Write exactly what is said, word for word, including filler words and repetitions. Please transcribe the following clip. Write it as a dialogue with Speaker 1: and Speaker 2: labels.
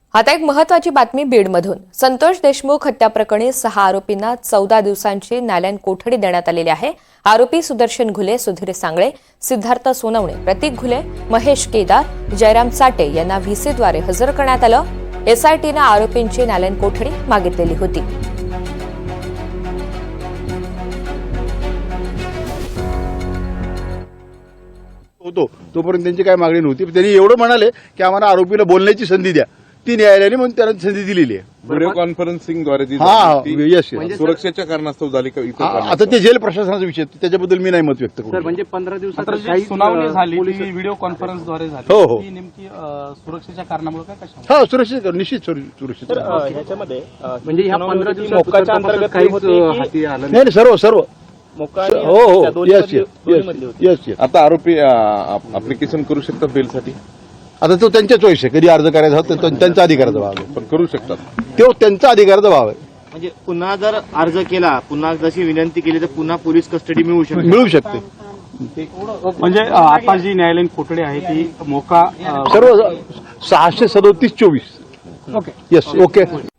Speaker 1: आता एक महत्त्वाची बातमी बीडमधून। संतोष देशमुख हत्या प्रकरणी सहा आरोपींना चौदा दिवसांची न्यायालयीन कोठडी देण्यात आलेली आहे। आरोपी सुदर्शन घुले, सुधीर सांगळे, सिद्धार्थ सोनवणे, प्रतीक घुले, महेश केदार, जयराम साटे यांना व्हीसीद्वारे हजर करण्यात आलं। एसआयटीने आरोपींची न्यायालयीन कोठडी मागितलेली होती।
Speaker 2: होतो तोपर्यंत त्यांची काय मागणी नव्हती। त्यांनी एवढं म्हणाले की आम्हाला आरोपीला बोलण्याची संधी द्या, ती न्यायालयाने म्हणून त्यांना संधी दिलेली आहे।
Speaker 3: व्हिडिओ कॉन्फरन्सिंगद्वारे जी
Speaker 2: हा,
Speaker 3: झाली ती
Speaker 2: यस यस
Speaker 3: सुरक्षेच्या कारणास्तव झाली का इतर
Speaker 2: हा, आता
Speaker 3: कारणास्तव?
Speaker 2: ते जेल प्रशासनाचा विषय आहे, त्याच्याबद्दल मी नाही मत व्यक्त
Speaker 4: सर,
Speaker 2: करू।
Speaker 4: म्हणजे पंधरा दिवसात
Speaker 5: मात्र जी
Speaker 4: काही
Speaker 5: सुनावणी झाली
Speaker 4: पोलीस
Speaker 5: ती व्हिडिओ कॉन्फरन्सद्वारे झाली।
Speaker 2: हो, हो.
Speaker 5: ती नेमकी अ, सुरक्षेच्या कारणामुळे काय कशा
Speaker 2: हा, सुरक्षित निश्चित सुर- सुरक्षित
Speaker 6: तर अ, ह्याच्यामध्ये अ,
Speaker 4: म्हणजे ह्या
Speaker 6: सुनावणी
Speaker 4: पंधरा
Speaker 6: होती,
Speaker 4: दिवसात
Speaker 6: मोक्काच्या
Speaker 4: तपासात
Speaker 6: अंतर्गत
Speaker 4: काहीच
Speaker 6: होती की
Speaker 4: हाती आलं
Speaker 2: नाही
Speaker 4: नाही.
Speaker 2: नाही, सर्व सर्व
Speaker 6: मोक्का आणि
Speaker 2: हो हो
Speaker 6: त्या दोन्ही
Speaker 2: यस
Speaker 6: मधली-
Speaker 2: यस
Speaker 6: दोन्ही मधली होती.
Speaker 2: यस यस
Speaker 3: आता आरोपी अप्लिकेशन करू शकतात बेलसाठी,
Speaker 2: आता तो त्यांच्या चॉईस आहे, कधी अर्ज करायचा होता तो त्यांचा अधिकाराचा भाग आहे,
Speaker 3: पण करू शकतात।
Speaker 2: तो त्यांचा अधिकाराचा भाग आहे,
Speaker 7: म्हणजे पुन्हा जर अर्ज केला, पुन्हा जशी विनंती केली तर पुन्हा पोलीस कस्टडी मिळू शकते.
Speaker 2: मिळू शकते।
Speaker 5: म्हणजे अ, आता जी न्यायालयीन कोठडी आहे ती मोका अ,
Speaker 2: सर्व सहाशे सदोतीस चोवीस
Speaker 5: ओके
Speaker 2: यस ओके